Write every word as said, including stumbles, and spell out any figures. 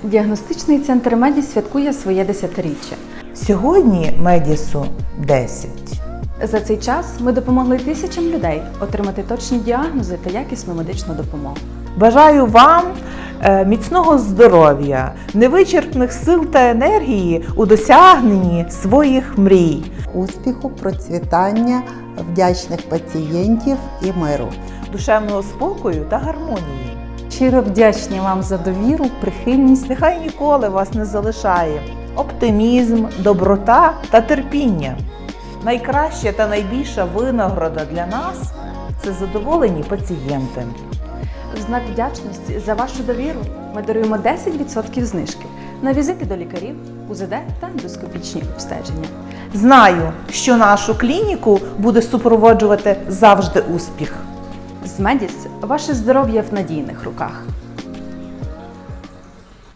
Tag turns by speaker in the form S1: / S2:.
S1: Діагностичний центр Медіс святкує своє десятиріччя.
S2: Сьогодні Медісу десять.
S1: За цей час ми допомогли тисячам людей отримати точні діагнози та якісну медичну допомогу.
S2: Бажаю вам е, міцного здоров'я, невичерпних сил та енергії у досягненні своїх мрій.
S3: Успіху, процвітання, вдячних пацієнтів і миру.
S2: Душевного спокою та гармонії.
S4: Щиро вдячні вам за довіру, прихильність.
S2: Нехай ніколи вас не залишає оптимізм, доброта та терпіння. Найкраща та найбільша винагорода для нас – це задоволені пацієнти.
S1: В знак вдячності за вашу довіру ми даруємо десять відсотків знижки на візити до лікарів, У З Д та ендоскопічні обстеження.
S2: Знаю, що нашу клініку буде супроводжувати завжди успіх.
S1: З Медіс ваше здоров'я в надійних руках.